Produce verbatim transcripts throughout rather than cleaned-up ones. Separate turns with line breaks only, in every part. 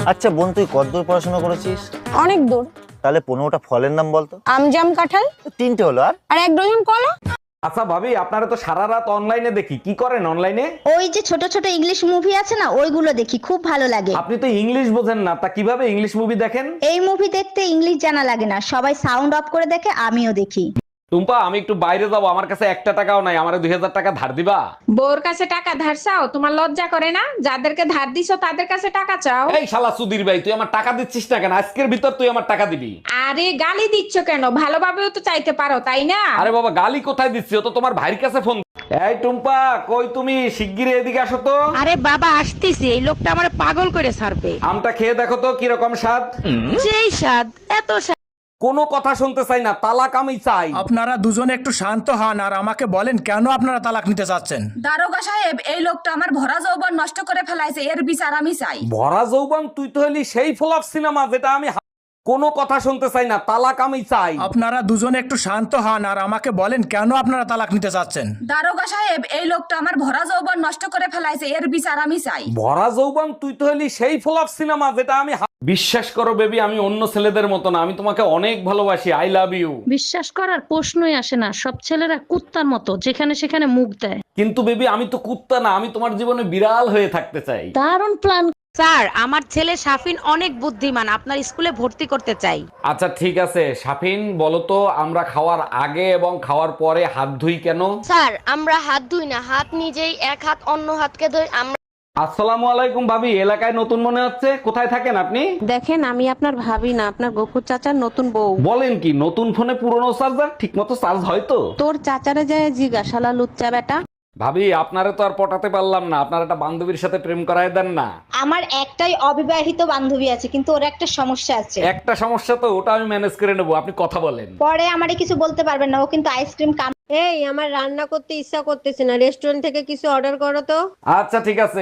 আচ্ছা বোন, তুই কতদূর পড়াশোনা করেছিস?
অনেক দূর।
তাহলে পনেরোটা ফলের নাম বলতো।
আম, জাম, কাঁঠাল
তিনটে হলো, আর
আর এক ডজন কলা।
আচ্ছা ভাবি, আপনারা তো সারা রাত অনলাইনে দেখি, কি করেন অনলাইনে?
ওই যে ছোট ছোট ইংলিশ মুভি আছে না, ওইগুলো দেখি, খুব ভালো লাগে।
আপনি তো ইংলিশ বোঝেন না, তা কিভাবে ইংলিশ মুভি দেখেন?
এই মুভি দেখতে ইংলিশ জানা লাগে না, সবাই সাউন্ড অফ করে দেখে, আমিও দেখি।
টুম্পা, আমি একটু বাইরে যাবো, আমার কাছে একটা টাকাও নাই, আমার দুই হাজার টাকা ধার দিবা?
বউর কাছে টাকা ধার চাও? তোমার লজ্জা করে না? যাদেরকে ধার দিছো তাদের কাছে টাকা চাও।
এই শালা সুধীর ভাই, তুই আমার টাকা দিচ্ছিস না কেন? আজকের ভিতর তুই আমার টাকা দিবি।
আরে গালি দিচ্ছ কেন? ভালোভাবেও তো চাইতে পারো, তাই না?
আরে বাবা, গালি কোথায় দিচ্ছি? ও তো তোমার ভাইয়ের কাছে ফোন। এই টুম্পা, কই তুমি? শিগগিরই এদিকে আসো তো।
আরে বাবা আসতেছি, এই লোকটা আমার পাগল করে ছাড়বে।
আমটা খেয়ে দেখো তো কিরকম স্বাদ।
সেই স্বাদ, এত স্বাদ।
কোনো কথা শুনতে চাই না, তালাক আমি চাই।
আপনারা দুজনে একটু শান্ত হন আর আমাকে বলেন কেন আপনারা তালাক নিতে চাচ্ছেন।
দারোগা সাহেব, এই লোকটা আমার ভরা যৌবন নষ্ট করে ফেলাইছে, এর বিচার আমি চাই।
ভরা যৌবন? তুই তো হলি সেই ফ্লপ সিনেমা যেটা আমি হা- কোনো কথা শুনতে চাই না, তালাক আমি চাই।
আপনারা দুজনে একটু শান্ত হন আর আমাকে বলেন কেন আপনারা তালাক নিতে চাচ্ছেন।
দারোগা সাহেব, এই লোকটা আমার ভরা যৌবন নষ্ট করে ফেলাইছে, এর বিচার আমি চাই।
ভরা যৌবন? তুই তো হলি সেই ফ্লপ সিনেমা যেটা আমি হা- বিশ্বাস করো বেবি, আমি অন্য ছেলেদের মতো না, আমি তোমাকে অনেক ভালোবাসি। I love you.
বিশ্বাস করার প্রশ্নই আসে না, সব ছেলেরা কুত্তার মতো যেখানে সেখানে মুখ দেয়।
কিন্তু বেবি, আমি তো কুত্তা না, আমি তোমার জীবনে বিড়াল হয়ে থাকতে চাই।
দারুণ প্ল্যান। স্যার, আমার ছেলে শাফিন অনেক বুদ্ধিমান, আপনার স্কুলে ভর্তি করতে চাই।
আচ্ছা ঠিক আছে, শাফিন বলো তো, আমরা খাওয়ার আগে এবং খাওয়ার পরে হাত ধুই কেন?
স্যার, আমরা হাত ধুই না, হাত নিজেই এক হাত অন্য হাতকে ধুই। আমরা
আসসালামু আলাইকুম ভাবি, এলাকায় নতুন মনে হচ্ছে, কোথায় থাকেন আপনি?
দেখেন, আমি আপনার ভাবি না, আপনার গফুর চাচার নতুন বউ।
বলেন কি, নতুন ফোনে পুরনো চার্জার ঠিক মতো চার্জ হয় তো?
তোর চাচারে যায় জিগা, শালা লুচ্চা বেটা।
ভাবি, আপনারে তো আর পটাতে পারলাম না, আপনার একটা বান্ধবীর সাথে প্রেম করায় দেন না।
আমার একটাই অবিবাহিত বান্ধবী আছে, কিন্তু ওর একটা সমস্যা আছে।
একটা সমস্যা তো, ওটা আমি ম্যানেজ করে নেবো, আপনি কথা বলেন।
পরে আমারে কিছু বলতে পারবেন না, ও কিন্তু আইসক্রিম কাম।
এই, আমার রান্না করতে ইচ্ছা করতেছে না, রেস্টুরেন্ট থেকে কিছু অর্ডার করো তো।
আচ্ছা ঠিক আছে।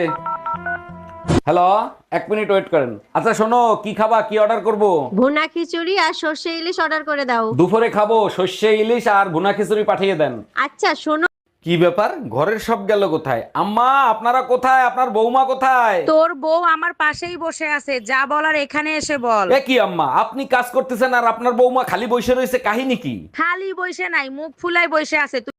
হ্যালো, এক মিনিট ওয়েট করেন। আচ্ছা শোনো, কি খাবা, কি অর্ডার করব?
ভুনা খিচুড়ি আর সর্ষে ইলিশ অর্ডার করে দাও।
দুপুরে খাবো সর্ষে ইলিশ আর ভুনা খিচুড়ি পাঠিয়ে দেন।
আচ্ছা শোনো,
কি ব্যাপার, ঘরের সব গেল কোথায়? আম্মা, আপনারা কোথায়? আপনার বৌমা কোথায়?
তোর বউ আমার পাশেই বসে আছে, যা বলার এখানে এসে বল।
এ কি আম্মা, আপনি কাজ করতেছেন আর আপনার বৌমা খালি বসে রয়েছে, কাহিনী কি?
খালি বসে নাই, মুখ ফুলাই বসে আছে।